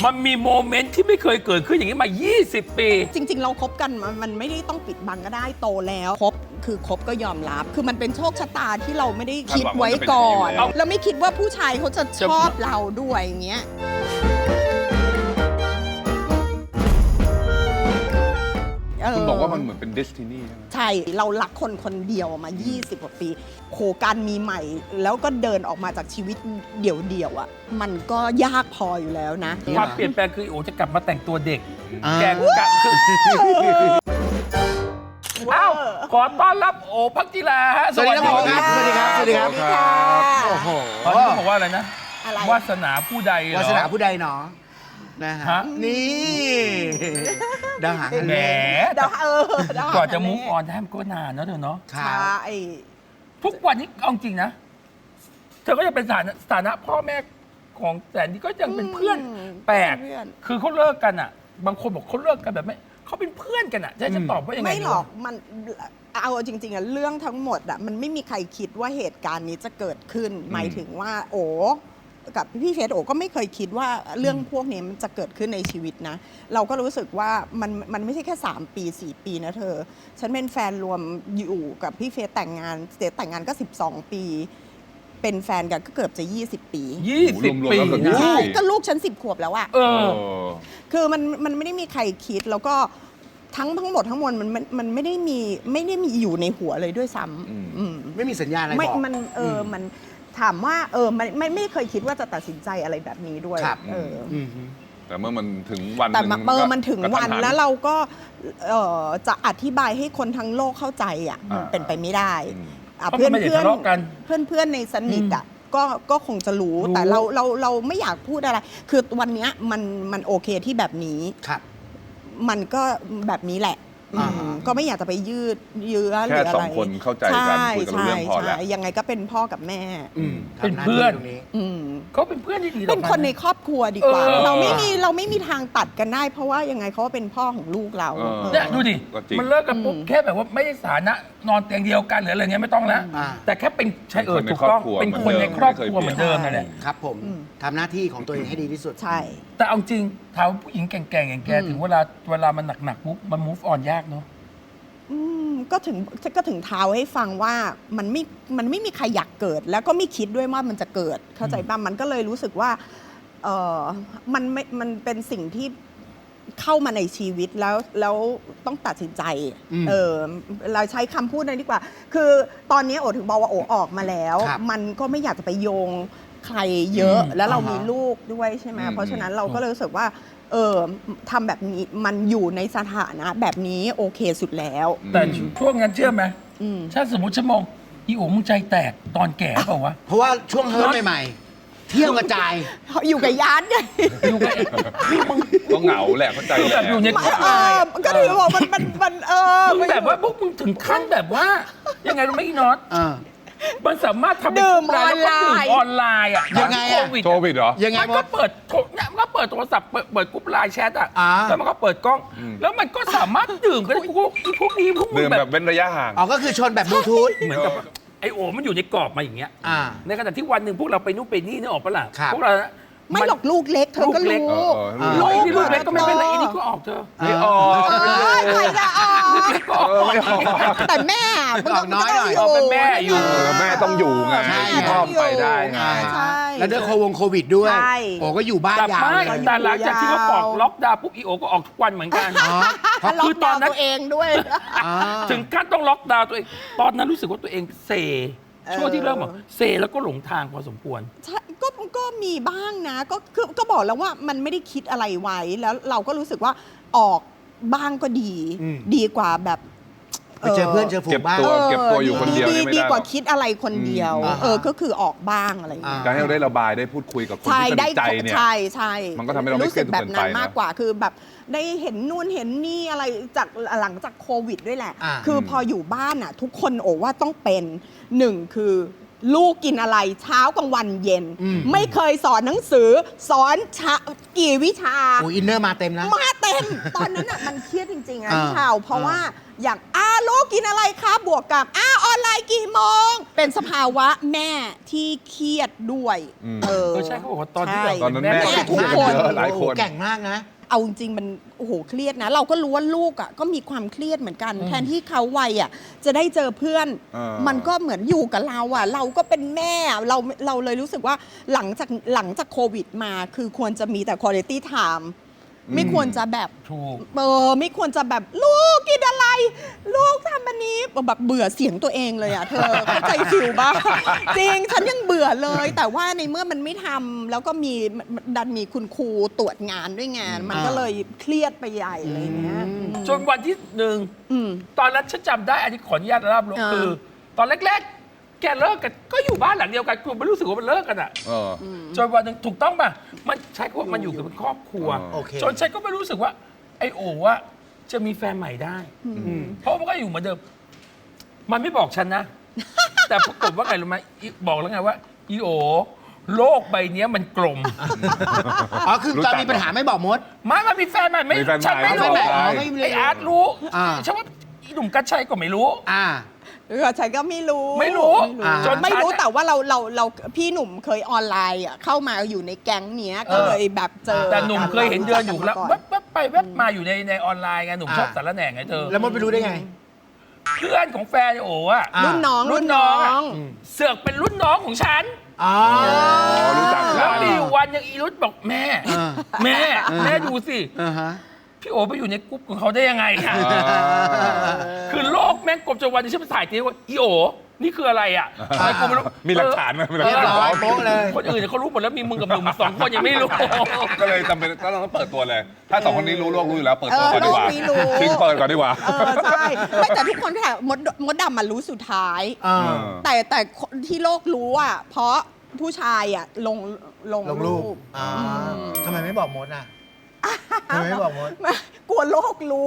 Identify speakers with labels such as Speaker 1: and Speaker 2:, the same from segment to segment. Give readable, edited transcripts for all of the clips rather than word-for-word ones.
Speaker 1: มันมีโมเมนต์ที่ไม่เคยเกิดขึ้นอย่างนี้มา 20 ปี
Speaker 2: จริง ๆ เราคบกันมันไม่ได้ต้องปิดบังก็ได้โตแล้วคบก็ยอมรับ คือมันเป็นโชคชะตาที่เราไม่ได้คิดไว้ก่อนเราไม่คิดว่าผู้ชายเขาจะชอบเราด้วยอย่างเงี้ย
Speaker 3: คุณบอกว่ามันเหมือนเป็นเดสตินีใช่ไหม
Speaker 2: ใช่เรารักคนคนเดียวมา 20 กว่าปีโหการมีใหม่แล้วก็เดินออกมาจากชีวิตเดี่ยวๆอ่ะมันก็ยากพออยู่แล้วนะ
Speaker 1: ความเปลี่ยนแปลงคือโอจะกลับมาแต่งตัวเด็ก แกกะคือเอ้าขอต้อนรับโอภักจิราฮะ
Speaker 4: สวัสดีครับ สวัสดีครับ สวัสดีครับ โอ้โห
Speaker 1: ตอนนี้เขาบอกว่าอะไรนะ
Speaker 2: อะไร
Speaker 1: วาสนาผู้ใดเหรอ
Speaker 4: วาสนาผู้ใดหนอนะฮะ
Speaker 1: ฮะ
Speaker 4: นี่ดาวหาง
Speaker 1: แหม
Speaker 2: เดาเดาก
Speaker 1: ว่าจะมุกออนได้มันก็นานเนอะเธอเนาะ
Speaker 4: ค
Speaker 2: ใช
Speaker 4: รับ
Speaker 2: ่
Speaker 1: ทุกวันนี้เอาจริงนะ เธอก็ยังเป็นสถานะพ่อแม่ของแสนดีก็ยังเป็นเพื่อนแปลก
Speaker 2: เพื่อน
Speaker 1: คือเขาเลิกกันอ่ะ บางคนบอกเขาเลิกกันแบบไม่เขาเป็นเพื่อนกันอ่ะจะตอบว่ายังไง
Speaker 2: ไม่หรอก
Speaker 1: ดีวะ
Speaker 2: มันเอาจริงๆอะเรื่องทั้งหมดอะมันไม่มีใครคิดว่าเหตุการณ์นี้จะเกิดขึ้น หมายถึงว่า โอกับพี่เฟสโอก็ไม่เคยคิดว่าเรื่องพวกนี้มันจะเกิดขึ้นในชีวิตนะ เราก็รู้สึกว่ามันไม่ใช่แค่3 ปี 4 ปีนะเธอ ฉันเป็นแฟนรวมอยู่กับพี่เฟสแต่งงานเฟสแต่งงานก็12 ปี เป็นแฟนกันก็เกือบจะ 20 ปี
Speaker 1: 20 ปี
Speaker 3: รวมๆแล้วเกือบ
Speaker 1: นะ
Speaker 3: 20
Speaker 2: ใช่ก็ลูกฉัน10 ขวบแล้วอะ
Speaker 1: เออ
Speaker 2: คือมันไม่ได้มีใครคิดแล้วก็ทั้งหมดทั้งมวลมันไม่ได้มีอยู่ในหัวเลยด้วยซ้ำอืม
Speaker 4: ไม่มีสัญญาณอะไร
Speaker 2: ไม่
Speaker 4: บอก
Speaker 2: มันถามว่ามันไม่เคยคิดว่าจะตัดสินใจอะไรแบบนี้ด้วย
Speaker 4: ครับ
Speaker 2: เอออ
Speaker 4: ม
Speaker 3: แต่เมื่อมันถึงวัน
Speaker 2: แต่
Speaker 3: หนึ่ง
Speaker 2: มันถึงวัน
Speaker 3: กระทันหั
Speaker 2: แล้วเราก็จะอธิบายให้คนทั้งโลกเข้าใจอ่ะมันเป็นไปไม่ได้
Speaker 3: อืม
Speaker 2: อ่ะ
Speaker 1: เพราะมันไม่ได้ทะเลาะกัน
Speaker 2: เพื่อนในสนิทอ่ะก็คงจะรู้แต่เราไม่อยากพูดอะไร คือวันเนี้ยมันโอเคที่แบบนี้
Speaker 4: ครับ
Speaker 2: มันก็แบบนี้แหละ
Speaker 4: อ่า
Speaker 2: ก็ไม่อยากจะไปยืดเยื้อห
Speaker 3: แค่
Speaker 2: รืออะไร
Speaker 3: สองคนเข้าใจกันคุยกันรู้เรื่องพอแล้ว
Speaker 2: ใช่ยังไงก็เป็นพ่อกับแม่
Speaker 1: เป็นเพื่อน
Speaker 4: ทำหาที่ตรงนี้
Speaker 2: อืม
Speaker 1: เขาเป็นเพื่อนที่ดีต่อ
Speaker 2: เป็นคนในครอบครัวดีกว่า
Speaker 1: เออ
Speaker 2: เราไม่มีทางตัดกันได้ เพราะว่ายังไงเขาก็เป็นพ่อของลูกเรา
Speaker 3: เออ
Speaker 1: เนี่ยดูดิ
Speaker 3: ก็จริง
Speaker 1: มันเลิกกันปุ๊บแค่แบบว่าไม่ได้สถานะนอนเตียงเดียวกันหรืออะไรเงี้ยไม่ต้องแล้ว
Speaker 4: อ่า
Speaker 1: แต่แค่เป็นใช่
Speaker 3: เป็นคนใน
Speaker 1: ถูกต้อง
Speaker 3: ครอบครัว
Speaker 1: เป็นคนในครอบครัวเหมือนเดิมนั่นแหละ
Speaker 4: ครับผมทำหน้าที่ของตัวเองให้ดีที่สุด
Speaker 2: ใช่
Speaker 1: แต่เอาจริงถามว่าผู้หญิงแก่งๆอย่างแกถึงเวลามันหนักๆปุ๊บมัน move on ยากเนาะ
Speaker 2: ก็ถึงเท้าให้ฟังว่ามันไม่มีใครอยากเกิด แล้วก็ไม่คิดด้วยว่ามันจะเกิดเข้าใจป่ะมันก็เลยรู้สึกว่ามันเป็นสิ่งที่เข้ามาในชีวิตแล้วต้องตัดสินใจ เราใช้คำพูดนั้นดีกว่า คือตอนนี้โอถึงบอกว่าโอออกมาแล้ว
Speaker 4: ครับ
Speaker 2: มันก็ไม่อยากจะไปโยงใครเยอะ แล้วเรา
Speaker 4: อ่าฮะ
Speaker 2: มีลูกด้วยใช่ไหม
Speaker 3: อืม
Speaker 2: เพราะฉะนั้นเราก็เลยรู้สึกว่าทำแบบนี้มันอยู่ในสถานะแบบนี้โอเคสุดแล้ว
Speaker 1: แต่ช่วงนั้นเชื่อไหม
Speaker 2: อืม
Speaker 1: ถ้าสมมติฉันมองอีโอ๋มึงใจแตกตอนแก่เปล่าวะ
Speaker 4: เพราะว่าช่วงเฮิร์ตใหม่ๆ เที่ยวกระจาย
Speaker 2: อยู่กับยานไง
Speaker 3: ก็เหงาแหละเข้าใจ
Speaker 1: คือ
Speaker 3: แห
Speaker 1: แบ
Speaker 3: ละ
Speaker 1: บอยู่ในกรอบ
Speaker 2: ก็ถือบอกมัน
Speaker 1: มึงแบบว่าพวกมึงถึงขั้นแบบว่า ยังไงรู้ไหมอีน็อต มันสามารถทำเป็น
Speaker 2: ดื่ม
Speaker 1: กรุ๊ปไลน์แล้วก็ดื่ม
Speaker 2: ออนไลน์
Speaker 1: ออนไลน์อ่ะ
Speaker 4: ยังไงอะ
Speaker 1: โควิด
Speaker 3: โควิดเหรอ
Speaker 4: ยังไง
Speaker 1: มัน
Speaker 4: บ
Speaker 1: ก็
Speaker 4: อก
Speaker 1: เปิดเนี่ยมันก็เปิดโทรศัพท์เปิดกรุ๊ปไลน์แชทอ่ะ
Speaker 4: อ่า
Speaker 1: แล้วมันก็เปิดกล้อง แล้วมันก็สามารถดื่มกันได้พวกนี้พวกมึ
Speaker 3: ดื่
Speaker 1: ง
Speaker 3: ม
Speaker 1: แบ
Speaker 3: แบบ บเว้นระยะห่าง
Speaker 4: อ๋อก็คือชนแบบบลูทูธ
Speaker 1: เหมือนกับไอโอมันอยู่ในกรอบมาอย่างเงี้ย
Speaker 4: อ่า
Speaker 1: ในขณะที่วันหนึ่งพวกเราไปนู่นไปนี่นึกออกปะล่ะ
Speaker 4: ครับ
Speaker 1: พวกเรานะ
Speaker 2: ไม่หรอกลูกเล็กเธอก็
Speaker 1: ลูกเล็ก
Speaker 2: รู้
Speaker 1: ลูกนี่ลูกเล็กก็ไม่เป็นไรอีนี่ก็ออกเธอ
Speaker 3: ไม่ออก
Speaker 2: ใครจะออก
Speaker 1: ลูกเล็กก็ออก
Speaker 3: ไม่ออก
Speaker 2: แต่แม่มัน
Speaker 4: ออกน้อยหน่อย
Speaker 1: ออกเป็นแม่อยู่
Speaker 3: แม่ต้องอยู่ไง
Speaker 4: ใช่
Speaker 3: พ่อไปได้ไง
Speaker 2: ใช่
Speaker 4: แล้วด้วยโควิดด้วย
Speaker 2: ใช่
Speaker 4: โอ้ก็อยู่บ้าน
Speaker 1: แต่
Speaker 4: ยาว
Speaker 1: ไม่
Speaker 4: เลย
Speaker 1: แต่หลังจากที่เขาบอกล็อกดาวน์ปุ๊บอีโอก็ออกทุกวันเหมือนกัน
Speaker 4: อ๋อเพราะ
Speaker 2: ล็อ
Speaker 1: คื
Speaker 2: ก
Speaker 1: อต
Speaker 2: ดา
Speaker 1: อน
Speaker 2: วน์
Speaker 1: นั้น
Speaker 2: ตัวเองด้วย
Speaker 4: อ่า
Speaker 1: ถึงขั้นต้องล็อกดาวน์ตัวเอง ตอนนั้นรู้สึกว่าตัวเองเซช่วงที่เริ่มบอกเซแล้วก็หลงทางพอสมควร
Speaker 2: ใช่ก็มีบ้างนะก็บอกแล้วว่ามันไม่ได้คิดอะไรไว้แล้วเราก็รู้สึกว่าออกบ้างก็ดี ดีกว่าแบบ
Speaker 4: ไปเจอเพื่อนเจอฝู
Speaker 3: เก็
Speaker 4: ง
Speaker 3: บ
Speaker 4: บ้าง
Speaker 3: ตัวเก็บตัวอยู่คนเดียวนี่ไม่
Speaker 2: ดี
Speaker 3: ได้
Speaker 2: กว่าคิดอะไรคนเดียว ก็คือออกบ้างอะไรอย่างเงี้ย
Speaker 3: การให้เราได้ระบายได้พูดคุยกับคน
Speaker 2: ใช่
Speaker 3: ที่ส
Speaker 2: ได้
Speaker 3: นิทใจเนี่ย
Speaker 2: ใช่
Speaker 3: มันก็ทำให้เราไม่
Speaker 2: รู้สึกแบบนั้น
Speaker 3: เครียดจนเกินไปนะ
Speaker 2: มากกว่าคือแบบได้เห็นนู่นเห็นนี่อะไรจากหลังจากโควิดด้วยแหละ
Speaker 4: อ่า
Speaker 2: คือพออยู่บ้านอ่ะ ทุกคนโอว่าต้องเป็นหนึ่งคือลูกกินอะไรเช้ากลางวันเย็น ไม่เคยสอนหนังสือสอนกี่วิชา
Speaker 4: โอ้อินเนอร์มาเต็มนะ
Speaker 2: มาเต็ม ตอนนั้นอ่ะมันเครียดจริงๆอ่ะพี่ชาวเพราะว่าอย่างลูกกินอะไรคะบวกกับออนไลน์กี่โมง เป็นสภาวะแม่ที่เครียดด้วย
Speaker 1: ใช่เขาบอกว่าตอนที่
Speaker 2: ใช่
Speaker 3: ตอนนั้นแม่
Speaker 2: ทุกคน
Speaker 3: เยอะหลายคน
Speaker 4: แก่งมากนะ
Speaker 2: เอาจริงๆมันโอ้โหเครียดนะ เราก็รู้ว่าลูกอ่ะก็มีความเครียดเหมือนกัน แทนที่เขาวัยอ่ะจะได้เจอเพื่อน มันก็เหมือนอยู่กับเราอ่ะ เราก็เป็นแม่เราเลยรู้สึกว่าหลังจากโควิดมาคือควรจะมีแต่ quality time ไม่ควรจะแบบ
Speaker 1: ถูก
Speaker 2: ไม่ควรจะแบบลูกกินอะไร ลูกทำอันนี้แบบเบื่อเสียงตัวเองเลยอ่ะเธอ เข้าใจฟิลบ้างจริงฉันยังเบื่อเลย แต่ว่าในเมื่อมันไม่ทำแล้วก็ดันมีคุณครูตรวจงานด้วยงาน มันก็เลยเครียดไปใหญ่เลยเนี้ย
Speaker 1: จนวันที่หนึ่ง ตอนนั้นฉันจำได้อันนี้ขออนุญาตเล่าลงคือ ตอนแรกๆ แกเลิกกันก็อยู่บ้านหลังเดียวกันกูไม่รู้สึกว่ามันเลิกกันอ่ะจนวันหนึ่งถูกต้องป่ะมันใช้คำว่ามันอยู่กันเป็นครอบครัว
Speaker 4: โอเค
Speaker 1: จนฉันก็ไม่รู้สึกว่า ไอโอว่าจะมีแฟนใหม่ได้เพราะมันก็อยู่เหมือนเดิม มันไม่บอกฉันนะ แต่ปรากฏว่าไงรู้ไหมบอกแล้วไงว่าอีโอโลกใบเนี้ยมันกลม
Speaker 4: อ๋อ คือตอนมีปัญหาไม่บอกมด
Speaker 1: มันมีแฟนใหม่ไม่
Speaker 3: มีแฟนใหม่
Speaker 1: ฉันไม่รู้
Speaker 3: ไม่บอก
Speaker 4: ไม่รู้
Speaker 1: ไออาร์ตรู้
Speaker 4: อ่า
Speaker 1: ฉันว่าอีหนุ่มกัญชัยก็ไม่รู้
Speaker 2: ฉันก็ไม่รู้
Speaker 1: ไม่รู้
Speaker 2: จนไม่รู้
Speaker 1: ฉัน
Speaker 2: แต่ว่าเราพี่หนุ่มเคยออนไลน์อ่ะเข้ามาอยู่ในแก๊งเนี้ยก็เลยแบบเจอ
Speaker 1: แต่หนุ่มเคยเห็นเดินอยู่แล้ว
Speaker 2: ก่
Speaker 1: แวบๆไปแวบมาอยู่ในออนไลน์ไงหนุ่มชอบสารแหน่งไงเธอ
Speaker 4: แล้วมดไปรู้ได้ไง
Speaker 1: เพื่อนของแฟนโอ้อะ
Speaker 2: รุ่นน้อง
Speaker 1: รุ่นน้องอะเสือกเป็นรุ่นน้องของฉัน
Speaker 4: อ๋อ
Speaker 3: รู้จัก
Speaker 1: แล้ว
Speaker 3: กัน
Speaker 1: มีอยู่วันยังอีรุธบอกแม่ แม่ดูสิ
Speaker 4: อ่าฮะ
Speaker 1: พี่โอไปอยู่ในกรุ๊ปของเขาได้ยังไงอะคือโลกแม่งกลมจนวันนี้ฉันไปถ่ายทีว่าอีโอนี่คืออะไรอ่ะทำไมกูไม่รู้
Speaker 3: มีหลักฐานไหมมีหลัก
Speaker 4: เรียบ
Speaker 3: ฐาน
Speaker 4: ร้อยโป๊ะเลย
Speaker 1: คนอื่นเนี่ยเขารู้หมดแล้วมีมึงกับหนุ่มสองคนยังไม่รู้
Speaker 3: ก็เลยจำเป็นก็ต้องเปิดตัวเลย ถ้าสองคนนี้รู้โลกรู้อยู่แล้ว เปิดตัวก่อนดีกว่า
Speaker 2: โลกนี้รู้
Speaker 3: ชิงเปิดก่อนดีกว่า
Speaker 2: ใช่ไม่แต่ทุกคนแค่มดดำมันรู้สุดท้าย แต่ที่โลกรู้อ่ะเพราะผู้ชายอ่ะลง
Speaker 4: ลงรูปทำไมไม่บอกมดอ่ะทำไมไม่บอกมด
Speaker 2: กลัวโลกรู้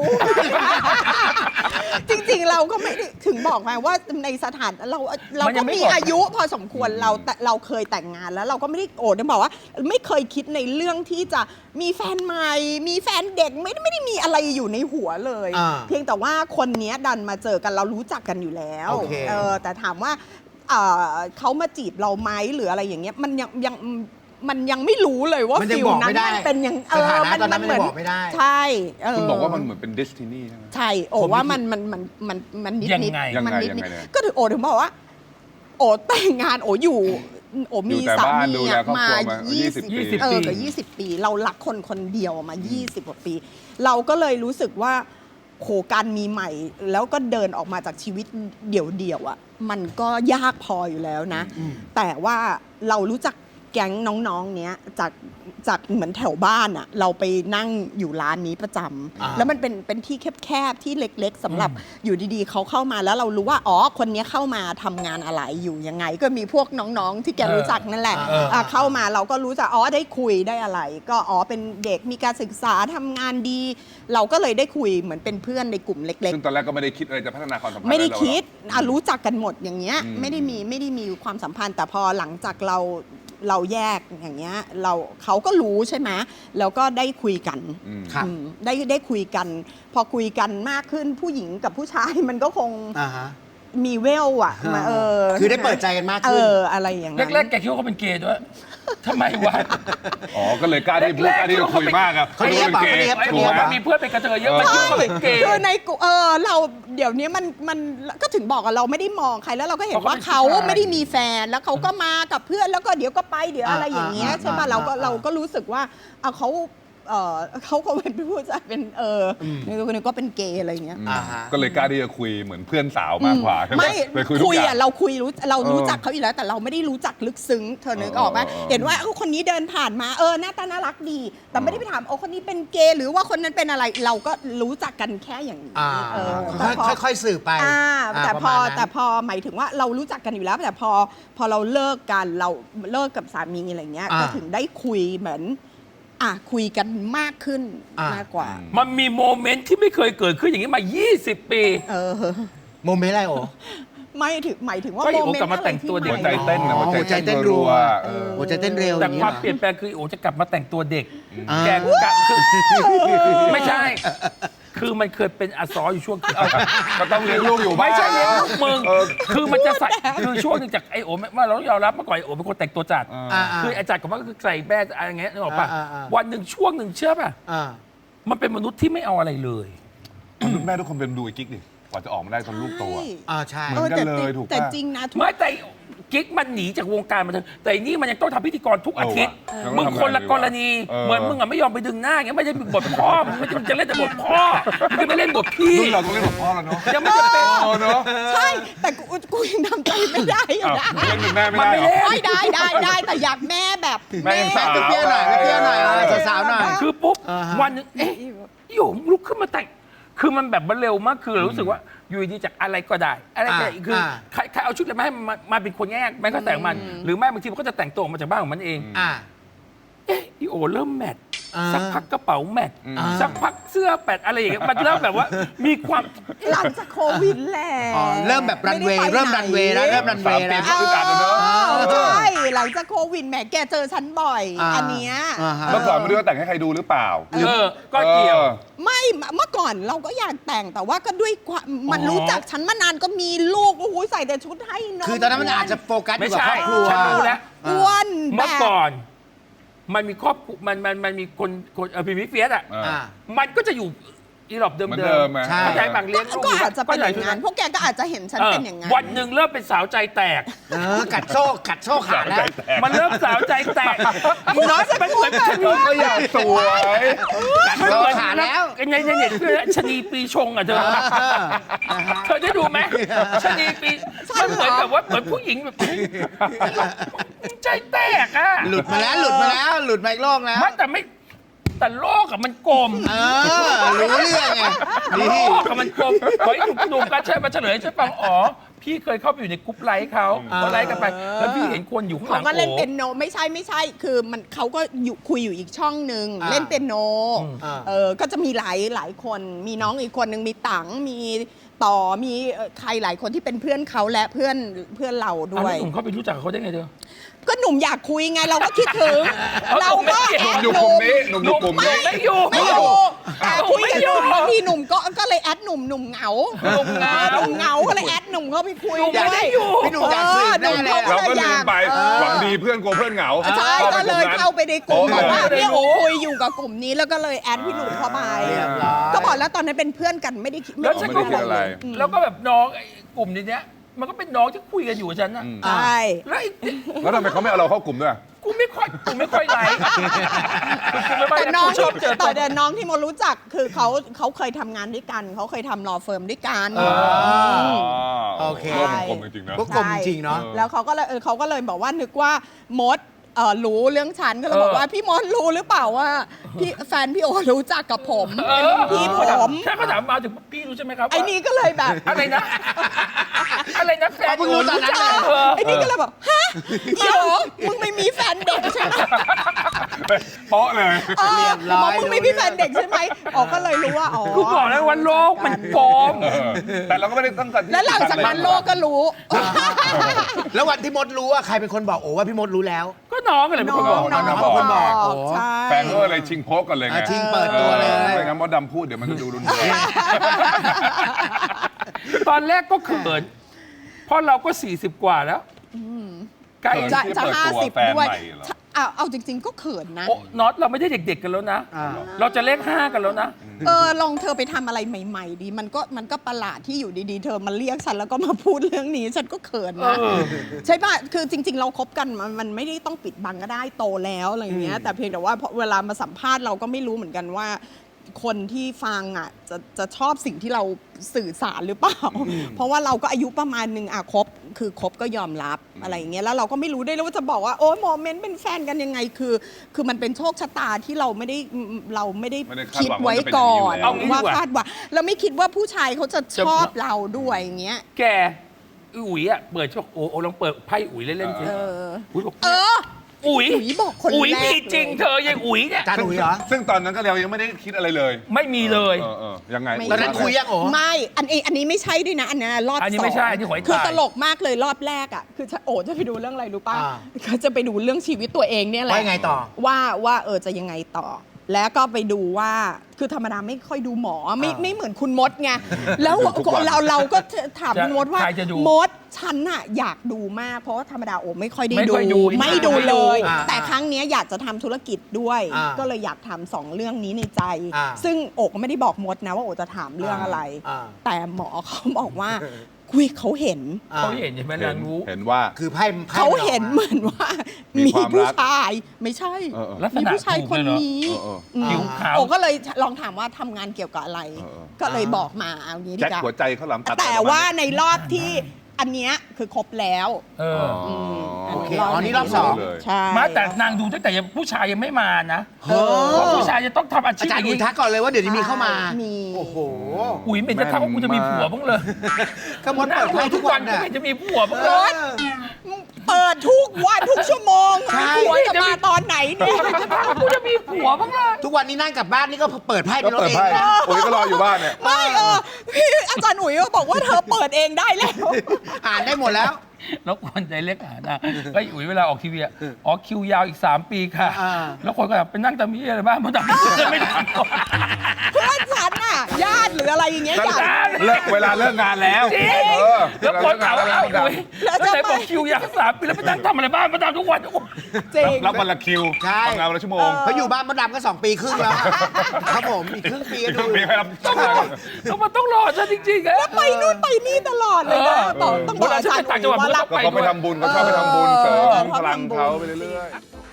Speaker 2: จริงๆเราก็ไม่ได้ถึงบอกไงว่าในสถานเราก็มีอายุพอสมควรเราเคยแต่งงานแล้วเราก็ไม่ได้ได้บอกว่า ไม่เคยคิดในเรื่องที่จะมีแฟนใหม่มีแฟนเด็กไม่ได้มีอะไรอยู่ในหัวเลย เพียงแต่ว่าคนนี้ดันมาเจอกันเรารู้จักกันอยู่แล้ว
Speaker 4: โอเค
Speaker 2: แต่ถามว่าเขามาจีบเราไหมหรืออะไรอย่างเงี้ยมันยังไม่รู้เลยว่า
Speaker 4: มันยัง
Speaker 2: ฟิล
Speaker 4: บอก
Speaker 2: นั้
Speaker 4: ไม่
Speaker 2: น
Speaker 4: ได้
Speaker 2: มันเป็นยัง
Speaker 4: สถานะตอนนั้นมันยังบอกไม่ได้
Speaker 2: ใช่
Speaker 3: คุณบอกว่ามันเหมือนเป็น destiny ใช่ไหม
Speaker 2: ใช่โอ้ว่ามันนิด
Speaker 1: ยัง
Speaker 2: นิด
Speaker 1: ไง
Speaker 2: มันนิด
Speaker 3: ยัง
Speaker 2: นิด
Speaker 3: ไงเนี่ย
Speaker 2: ก็ถึงโอถึงบอกว่า โอแต่งงานโออยู่โอมี
Speaker 3: อยู่แต่
Speaker 2: สา
Speaker 3: บ้าน
Speaker 2: มี
Speaker 3: ดูแลครอบ
Speaker 2: มา
Speaker 3: ครัวมา
Speaker 2: 20
Speaker 3: 20 ปี
Speaker 2: เกับ20 ปี เรารักคนเดียวมา 20 กว่าปี เราก็เลยรู้สึกว่าโหการมีใหม่ แล้วก็เดินออกมาจากชีวิตเดี่ยวๆอ่ะมันก็ยากพออยู่แล้วนะ แต่ว่าเรารู้จักแก๊งน้องๆเนี้ยจากเหมือนแถวบ้านอ่ะเราไปนั่งอยู่ร้านนี้ประจำแล้วมันเป็นที่แคบๆที่เล็กๆสำหรับอยู่ดีๆเขาเข้ามาแล้วเรารู้ว่าอ๋อคนนี้เข้ามาทำงานอะไรอยู่ยังไง ก็มีพวกน้องๆที่แกรู้จักนั่นแหละเข้ามาเราก็รู้จักอ๋อได้คุยได้อะไร ก็อ๋อเป็นเด็กมีการศึกษาทำงานดี เราก็เลยได้คุยเหมือนเป็นเพื่อนในกลุ่มเล็ก
Speaker 3: ซึ่งตอนแรกก็ไม่ได้คิดอะไรจะพัฒนาความสัมพันธ์
Speaker 2: ไม่ได้
Speaker 3: อะรหรอก
Speaker 2: คิดรู้จักกันหมดอย่างเงี้ยไม่ได้มีความสัมพันธ์ แต่พอหลังจากเราแยกอย่างเงี้ยเขาก็รู้ใช่ไหมแล้วก็ได้คุยกัน
Speaker 4: ครับ
Speaker 2: ได้คุยกัน พอคุยกันมากขึ้นผู้หญิงกับผู้ชายมันก็คง มีเวลอ่ะมา
Speaker 4: คือได้เปิดใจกันมากขึ้น
Speaker 2: อะไรอย่างนั้น
Speaker 1: แรกๆแกคิดว่าเขาเป็นเกย์ด้วยทำไมวะ
Speaker 3: อ๋อ ก็เลยกล้าที่พูดกล้าที่จะคุยมากอะ
Speaker 4: เขาเรียก
Speaker 3: เป็นเกย์
Speaker 4: เขาเรียก
Speaker 1: ไอ้
Speaker 3: ถู
Speaker 1: พ
Speaker 3: ก
Speaker 1: วก
Speaker 3: ไหม
Speaker 1: มันมีเพื่อนเป็นกระเทยเยอะมันคิดว่าเขาเป็นเกย์
Speaker 2: คือในเราเดี๋ยวนี้มันก็ถึงบอกว่าเราไม่ได้มองใครแล้วเราก็เห็นว่าเขาไม่ได้มีแฟนแล้วเขาก็มากับเพื่อนแล้วก็เดี๋ยวก็ไปเดี๋ยวอะไรอย่างเงี้ยใช่ป่ะเราก็รู้สึกว่าเขาก็เป็นผู้ชายเป็นนี่คนนึงก็เป็นเกย์อะไรอย่างเงี้ย
Speaker 3: ก็เลยกล้าที่จะคุยเหมือนเพื่อนสาวมากกว่าใช่ไหม
Speaker 2: ไม่
Speaker 3: เลยคุยทุกอย่าง
Speaker 2: เรารู้จักเขาอยู่แล้วแต่เราไม่ได้รู้จักลึกซึ้งเธอนึกออกไหมเห็นว่าคนนี้เดินผ่านมาหน้าตาน่ารักดี แต่ไม่ได้ไปถามคนนี้เป็นเกย์หรือว่าคนนั้นเป็นอะไรเราก็รู้จักกันแค่อย่างนี้
Speaker 4: ค่อยๆสืบไป
Speaker 2: แต่พ
Speaker 4: ประ
Speaker 2: อ
Speaker 4: มาณนั้น
Speaker 2: แต่พอหมายถึงว่าเรารู้จักกันอยู่แล้ว แต่พอเราเลิกกันเราเลิกกับสามีอะไรเงี้ยก็ถึงได้คุยเหมือนคุยกันมากขึ้นมากกว่า
Speaker 1: มันมีโมเมนต์ที่ไม่เคยเกิดขึ้นอย่างนี้มา 20 ปี
Speaker 4: โมเมนต์อะไรโอ้
Speaker 2: หมายถึงว่า
Speaker 1: ก็
Speaker 2: โม
Speaker 1: อีโอ
Speaker 2: เมน
Speaker 1: กลับ
Speaker 2: ต์
Speaker 1: มา
Speaker 2: อะไร
Speaker 1: แต่ง
Speaker 2: ที่
Speaker 1: ตัวเด็ก
Speaker 3: หัวใจเต้นนะ
Speaker 4: อ๋อหัวใจเต้นรัว หัวใจเต้นเร็วอ
Speaker 1: แต่
Speaker 4: ย่างนี้
Speaker 1: ความ
Speaker 4: เหรอ
Speaker 1: เปลี่ยนแปลงคืออีโอจะกลับมาแต่งตัวเด็ก
Speaker 4: อ่า
Speaker 1: แกกะไม่ใช่ คือมันเคยเป็นอาซออยู่ช่วง
Speaker 3: ก็ต้องเลี้ยงลูกอยู่บ้าน
Speaker 1: ไม่ใช่เลี้ยงลูกมึง
Speaker 3: เออ
Speaker 1: คือมันจะใส่คือช่วงหนึงจากไอโอว่าเราต้องยอมรับเมื่อก่อนไอโอเป็นคนแต่งตัวจัด
Speaker 4: อ่า
Speaker 1: คือไอจัดกับมันก็คือใส่แบรนด์อะไรอย่างเงี้ยนึกออกป่ะ
Speaker 4: อ่า
Speaker 1: วันหนึ่งช่วงหนึ่งเชื่อป่ะ
Speaker 4: อ่า
Speaker 1: มันเป็นมนุษย์ที่ไม่เอาอะไรเลย
Speaker 3: แม่ทุกคนเป็นดูไอ้กิ๊กดิกว่าจะออกมาได้ตอนลูกโตอะ
Speaker 4: ใช่
Speaker 3: เหมือนกันเลยถูกปะ
Speaker 2: แต่จริงนะทุก
Speaker 1: ไม่แต่กิ๊กมันหนีจากวงการมาเถอะแต่อันนี่มันยังต้องทำพิธีกรทุกอาทิตย์
Speaker 3: เออว่ะ
Speaker 1: มึงคนละกรณี
Speaker 3: เออ
Speaker 1: เหมือนมึงอ่ะไม่ยอมไปดึงหน้าอย่างเงี้ยไม่ได้บทพ่อมึงไม่จะเล่นแต่บทพ่อมึงจะไม่เล่นบทพี่
Speaker 3: รุ่นเราต้องเล่นกับพ่อแล้วเนาะ
Speaker 1: ยังไม่จะเป็น
Speaker 3: เออเนาะ
Speaker 2: ใช่ แต่กูยังทำใจไม่ได้อยู่
Speaker 3: อ้าว
Speaker 2: นะ
Speaker 3: เล่นเป็นแม่ไม่
Speaker 1: มัน
Speaker 3: ได้
Speaker 1: ไม่
Speaker 3: เหรอ
Speaker 1: เล่น
Speaker 2: ไม่ได้แต่อยากแม่แบบ
Speaker 3: แม่ยังสาว
Speaker 4: เปรี้ยวๆหน่อยเปรี้ยวๆหน่อยสาวๆหน่อย
Speaker 1: คือปุ๊บ
Speaker 4: อ่าฮะ
Speaker 1: วันหนึงเอ๊ะอยู่ลุกขึ้นมาแต่งคือมันแบบมันเร็วมากคือเรารู้สึกว่าอยู่ดีจากอะไรก็ได้อะไรก็ได้คือใครเอาชุดอะไรมาให้มาเป็นคนแยกมันก็แต่งมัน หรือไม่บางทีมันก็จะแต่งตัวออกมาจากบ้านของมันเอง
Speaker 4: อ่า
Speaker 1: เอ๊ะอีโอเริ่มแมท
Speaker 4: อ่า
Speaker 1: สักพักกระเป๋าแมท
Speaker 3: อ่า
Speaker 1: สักพักเสื้อแปดอะไรอย่างเงี้ยมันเริ่มแบบว่ามีความ
Speaker 2: หลังจากโควิดแหละ
Speaker 4: อ๋อเริ่มแบบรันเวย์
Speaker 2: ไได้ไป
Speaker 4: เริ่มรันเวย์แล้วเริ่มรันเวย์
Speaker 3: 3 ปี
Speaker 4: แล้ว
Speaker 3: ก็อึดอัดอะเนอะ
Speaker 2: ใช่หลังจากโควิดแหมแกเจอฉันบ่อย อันเนี้ย
Speaker 4: ฮะ
Speaker 3: เมื่อก่อนไม่รู้ว่าแต่งให้ใครดูหรือเปล่า
Speaker 1: ก็เกี่ยว
Speaker 2: ไม่เมื่อก่อนเราก็อยากแต่งแต่ว่าก็ด้วยความมันรู้จักฉันมานานก็มีลูกโอ้โหใส่แต่ชุดให้นม
Speaker 4: คือตอนนั้นมันอาจจะโฟกัสอ
Speaker 1: ไม่
Speaker 4: ยู่กับ
Speaker 1: ใช่
Speaker 4: ครอบครัว
Speaker 1: ฉันรู้แล้ว
Speaker 2: อ้วนแบ
Speaker 1: เมื่อบ ก่อน มันมีครอบครัวมันมีคนพีพีเฟียสอ่ะ
Speaker 3: อ่า
Speaker 1: มันก็จะอยู่อีหลอบเดิม
Speaker 3: เหมือน
Speaker 1: เดิ
Speaker 3: เดิ
Speaker 1: ม
Speaker 3: มอะ
Speaker 4: ใช่
Speaker 1: เข้าใจบางเลี้ยงลูก
Speaker 2: ก็อาจจะเป็นอย่าง
Speaker 1: ก็
Speaker 2: นั้นพวกแกก็อาจจะเห็นฉันเป็นอย่างนั้น
Speaker 1: วันหนึ่งเริ่มเป็นสาวใจแตก
Speaker 4: กัดโซ่ขาดแล้ว
Speaker 1: มันเริ่มสาวใจแตกอีน้อยมันเหมือนชนี
Speaker 3: ก็อยากสวย
Speaker 1: มันเหมือน
Speaker 4: ขาดแล้ว
Speaker 1: ในเน็ตคือชนีปีชงอ่ะเธอเธอได้ดูไหมชนีปีมันเหมือนแบบว่าเหมือนผู้หญิงแบบใจแตกอ่ะ
Speaker 4: หลุดมาอีกโลกแล้ว
Speaker 1: แต่โลกอะมันกลม
Speaker 4: รู้เรื่องไง
Speaker 1: โลกอะมันกลมขอให้หนุ่มกันใช่มาเฉลยให้ฉันฟังอ๋อพี่เคยเข้าไปอยู่ในกรุ๊ปไลค์เขาก็ไลค์กันไป แล้วพี่เห็นคนอยู่ข้างห
Speaker 2: เขา
Speaker 1: ลัง
Speaker 2: ก็เล่น
Speaker 1: โอ้
Speaker 2: เปียโนไม่ใช่คือมันเขาก็อยู่คุยอยู่อีกช่องหนึ่งเล่นเปียโนก็จะมีหลายคนมีน้องอีกคนหนึ่งมีตังมีต่อมีใครหลายคนที่เป็นเพื่อนเขาและเพื่อนเรา
Speaker 1: เอา
Speaker 2: ด้ว
Speaker 1: แล้
Speaker 2: ย
Speaker 1: วหนุ่มเข้าไปรู้จักกับเขาได้ไงเธอ
Speaker 2: ก็หนุ่มอยากคุยไงเราก็คิดถึง เราก็
Speaker 3: หนุ่มอยู่กลุ่มนี้หนุ่มอยู่กลุ่มนี้
Speaker 1: ไม่อยู่
Speaker 2: ไม่อยู่แต่คุย
Speaker 1: ไม่
Speaker 2: กัน
Speaker 1: อยู่
Speaker 2: บางทีหนุ่มก็เลยแอดหนุ่มเหงา
Speaker 1: หนุ่มเหงา
Speaker 2: หนุ่มเหงาก็เลยแอดหนุ่มเข้าไปคุย
Speaker 1: หนุ่มไม่ได้อยู่
Speaker 4: พี่หนุ่มอยากสืบแน่เลย
Speaker 3: เราก็ลืมไปหวังดีเพื่อนกลัวเพื่อนเหงา
Speaker 2: ใช่ก็เลยเข้าไปในกลุ่ม
Speaker 3: โอ้
Speaker 2: บอกว่า
Speaker 1: ไม่ได้
Speaker 2: เนี่ย
Speaker 1: รู้
Speaker 2: โอ้คุยอยู่กับกลุ่มนี้แล้วก็เลยแอดพี่หนุ่มเข้าไป
Speaker 4: เรียบร้อย
Speaker 2: ก็บอกแล้วตอนนั้นเป็นเพื่อนกันไม่ได้คิด
Speaker 1: แล้วฉันก็
Speaker 3: ไม่ได้คิดอะไร
Speaker 1: แล้วก็แบบน้องไอ้กลุ่มนี้เนี้ยมันก็เป็นน้องที่คุยกันอยู่กับฉันนะ
Speaker 2: ใช่
Speaker 1: แล้วไอ้
Speaker 3: แล้วทำไมเขาไม่เอาเราเข้ากลุ่มด้วย
Speaker 1: กูไม่ค่อยไลค์กูไม่ค่อย
Speaker 2: แต่น้อง
Speaker 1: ชอบเจอตัว
Speaker 2: แต่น้องที่โมรู้จักคือเขาเคยทำงานด้วยกันเขาเคยทำรอเฟิร์มด้วยกัน
Speaker 4: โอเค
Speaker 3: โลกมันกลมจริงๆนะ
Speaker 4: พวกกลมจริงเนาะ
Speaker 2: แล้วเขาก็เลยบอกว่านึกว่ามดรู้เรื่องฉันก็เลยบอกว่าพี่มดรู้หรือเปล่าว่าพี่แฟนพี่โอรู้จักกับผมเป็นพี่ผม
Speaker 1: แค่เขาถามมาถึงพี่รู้ใช่ไหมครับ
Speaker 2: ไอ้นี่ก็เลยแบบ
Speaker 1: อะไรนะแฟน
Speaker 4: เพิ่งรู้ตอนนั้นเลย
Speaker 2: ไอ้นี่ก็เลยแบบฮะเดี๋ยวมึงไม่มีแฟนเด็กใช่ไหม
Speaker 3: โป๊ะเลย
Speaker 4: เรียบร้อย
Speaker 2: มึงไม่มีแฟนเด็กใช่ไหมอ๋อก็เลยรู้ว่าอ๋อ
Speaker 1: กูบอกแล้วว่าโลกมันกลม
Speaker 3: แต่เราก็ไม่ได้ตั้งใจ
Speaker 2: แล้วหลังจากนั้นโลกก็รู้
Speaker 4: แล้ววันที่มดรู้ว่าใครเป็นคนบอกโอ้ว่าพี่มดรู้แล้ว
Speaker 1: ก็น้องกันเลยเป็นคนบอก
Speaker 2: น้อง
Speaker 4: น้องเป็นคนบอก
Speaker 2: ใช่
Speaker 3: แฟนก็เลยชิงโพกกันเลยไง
Speaker 4: ชิงเปิดตัวเลย
Speaker 3: ไม่งั้นมดดำพูดเดี๋ยวมันจะดูรุนแรง
Speaker 1: ตอนแรกก็เขินเพราะเราก็40 กว่าแล้วใกล้
Speaker 2: จะ
Speaker 3: ที่
Speaker 2: จะ
Speaker 3: เปิดตัว
Speaker 2: 50
Speaker 3: แฟน
Speaker 2: ด้วย
Speaker 3: ใหม่เหรอ
Speaker 2: เอาจริง ๆ ก็เขินนะ
Speaker 1: โอ้น็อตเราไม่ได้เด็กๆกันแล้วนะ เราจะเลข5กันแล้วนะ
Speaker 2: ลองเธอไปทำอะไรใหม่ ๆ ดีมันก็ประหลาดที่อยู่ดีๆ เธอมาเรียกฉันแล้วก็มาพูดเรื่องนี้ ฉันก็เขินนะ ใช่ป่ะ คือจริง ๆ เราคบกันมันไม่ได้ต้องปิดบังก็ได้โตแล้วอะไรอย่างเงี้ย แต่เพียงแต่ว่าพอเวลามาสัมภาษณ์เราก็ไม่รู้เหมือนกันว่า คนที่ฟังอ่ะจะชอบสิ่งที่เราสื่อสารหรือเปล่า เพราะว่าเราก็อายุประมาณหนึ่งคบก็ยอมรับอะไรอย่างเงี้ยแล้วเราก็ไม่รู้ด้วยว่าจะบอกว่าโอ้ยโมเมนต์เป็นแฟนกันยังไงคือมันเป็นโชคชะตาที่เราไม่ได้คิดไว้ก่อน
Speaker 1: เอางี้ดีกว่า
Speaker 2: ว่าคาดว่าเราไม่คิดว่าผู้ชายเขาจะชอบเราด้วยอย่างเงี้ย
Speaker 1: แกอุ๋ยอ่ะเปิดช่วงโอ้ลองเปิดไพ่อุ๋ยเล่นๆสิอุ๋ยบอกอุ๋ย
Speaker 2: อุ๋ยบอกคน
Speaker 1: อุ๋ย
Speaker 2: แรก
Speaker 1: มีจริง
Speaker 2: เลย
Speaker 1: เธอยังอุ๋ยเนี่ย
Speaker 4: จานอุ๋ยเหรอ
Speaker 3: ซึ่งตอนนั้นก็เรายังไม่ได้คิดอะไรเลย
Speaker 1: ไม่มีเลย
Speaker 3: ยังไง
Speaker 4: ตอนนั้นคุยยังโอ้
Speaker 2: ไม่อันนี้ไม่ใช่ด้วยนะ อันนี้รอบ
Speaker 1: อันนี้
Speaker 2: สอง
Speaker 1: ไม่ใช่อันนี้หวย
Speaker 2: คือ
Speaker 1: ตาย
Speaker 2: ตลกมากเลยรอบแรกอ่ะคือโอ้จะไปดูเรื่องอะไรรู้ป่ะ
Speaker 4: อ่า
Speaker 2: ก็จะไปดูเรื่องชีวิตตัวเองเนี่ยแหละ
Speaker 4: ว่ายังไงต่อ
Speaker 2: ว่าจะยังไงต่อ แล้วก็ไปดูว่าคือธรรมดาไม่ค่อยดูหมอไม่เหมือนคุณมดไงแล้ว
Speaker 3: ดูทุกวัน
Speaker 2: เราก็ถามคุณมดว่า
Speaker 1: ใครจะดู
Speaker 2: มดฉันน่ะอยากดูมากเพราะว่าธรรมดาโอ้ไม่ค่อยได้
Speaker 1: ไม่ค่อยดู
Speaker 2: ไม่ดู
Speaker 1: ไม่ดู
Speaker 2: เลย
Speaker 4: อ่า
Speaker 2: แต่ครั้งเนี้ยอยากจะทำธุรกิจด้วย
Speaker 4: อ่า
Speaker 2: ก็เลยอยากทำสองเรื่องนี้ในใจ
Speaker 4: อ่า
Speaker 2: ซึ่งโอกก็ไม่ได้บอกมดนะว่าโอจะถามเรื่องอะไร
Speaker 4: อ่า
Speaker 2: แต่หมอเขาบอกว่าคุยเขาเห็น
Speaker 1: เขาเห็นใช่ไหมนางรู้
Speaker 3: เห็นว่า
Speaker 4: คือไพ่
Speaker 2: เขาเห็นเหมือนว่า
Speaker 3: มี
Speaker 2: มี
Speaker 3: ความรัก
Speaker 2: ผู้ชายไม่ใช่
Speaker 1: ลักษ
Speaker 2: มี
Speaker 1: ณะ
Speaker 2: ผู้ชาย
Speaker 1: ถูก
Speaker 2: คน
Speaker 1: เลยเหรอ
Speaker 2: นี้
Speaker 1: ผิวขาว
Speaker 2: โอก็เลยลองถามว่าทำงานเกี่ยวกับอะไร ก็เลย
Speaker 4: อ่า
Speaker 2: บอกมาเอางี้ดี
Speaker 3: แจ็ค
Speaker 2: กว่า
Speaker 3: หัวใจเขาวหลามตัด
Speaker 2: แต่ว่าในรอบที่อันเนี้ยคือครบแล้ว
Speaker 1: เออ
Speaker 4: โอเคอ๋อนี่รอบสอง
Speaker 3: เลย
Speaker 2: ใช่
Speaker 1: มาแต่นางดูตั้งแต่ยังผู้ชายยังไม่มานะ
Speaker 4: เออ
Speaker 1: เพราะผู้ชายจะต้องทำอาชี
Speaker 4: อา
Speaker 1: พ
Speaker 4: จาร
Speaker 1: อ
Speaker 4: ย์
Speaker 1: ย่าง
Speaker 4: อุ๋ย
Speaker 1: นี้
Speaker 4: ทักก่อนเลยว่าเดี๋ยวนี้มีเข้ามา
Speaker 2: มี
Speaker 4: โอ้โห
Speaker 1: อุ๋ยเป็นจะทักว่ากูจะมีผัวบ้างเลย
Speaker 4: ก็มดเปิดไพ่ทุกวัน
Speaker 1: กู
Speaker 4: น่ะ
Speaker 1: ไม่จะมีผัวบ้าง
Speaker 2: ร
Speaker 1: เลย
Speaker 2: ถเปิดทุกวันทุกชั่วโมง
Speaker 4: ใช่
Speaker 2: หัวจะมาตอนไหนเนี่ย
Speaker 1: จะทักว่ากูจะมีผัวบ้างเลย
Speaker 4: ทุกวันนี้นั่งกลับบ้านนี่ก็เปิดไพ่
Speaker 3: ก็
Speaker 4: เป็นรถ
Speaker 3: เปิด
Speaker 4: เอง
Speaker 3: ไพ่
Speaker 4: นะ
Speaker 3: โอ้ยก็รออยู่บ้านเนี่ย
Speaker 2: ไม่พี่อาจารย์อุ๋ยก็บอกว่าเธอเปิดเองได้แล้ว
Speaker 4: อ่านได้หมดแล้ว
Speaker 1: แล้วคนใจเล็กอ่ะนะก็อุ๋ยเวลาออกทีวีอ่ะอ๋อคิวยาวอีก 3 ปีค่ะ
Speaker 4: อ่า
Speaker 1: แล้วคนก็แบบไปนั่งตำมีอะไรบ้างมันทำไม่ทำ
Speaker 2: เพื่อนฉันน่ะญาติหรืออะไรอย่างเงี้ยอยาก
Speaker 3: เลิกเวลาเลิกงานแล้ว
Speaker 1: จริง
Speaker 3: เออ
Speaker 1: แล้วคนถามว่า
Speaker 3: เวล
Speaker 1: เอ้า
Speaker 3: เลิกงาน
Speaker 1: อุ๋ยแล้วไหนบอกคิวยาว3 ปีแล้วไปนั่งทำอะไรบ้างมาทำทุกวัน
Speaker 2: จริง
Speaker 3: รับวันละคิว
Speaker 4: ใช่
Speaker 3: ทำงานวันละชั่วโมง
Speaker 4: เขาอยู่บ้านมดดำก็2 ปีครึ่งแล้ว ครับผมอีกครึ่งปีก็
Speaker 3: ครึ่
Speaker 4: ดู
Speaker 3: งปีให้รับ
Speaker 1: ต้องรอแล้วมันต้องรอฉันจริงๆอะ
Speaker 2: ไปนู่นไปนี่ตลอดเลยนะ
Speaker 1: เออ
Speaker 2: ต้องบอกอาจารย์
Speaker 1: เวลาฉันไปต่างจังหวัด
Speaker 2: ว่ารับ
Speaker 3: ก็เขาไปทำบุญเขาชอบไปทำบุญเสริมพลังเขาไปเรื่อยๆ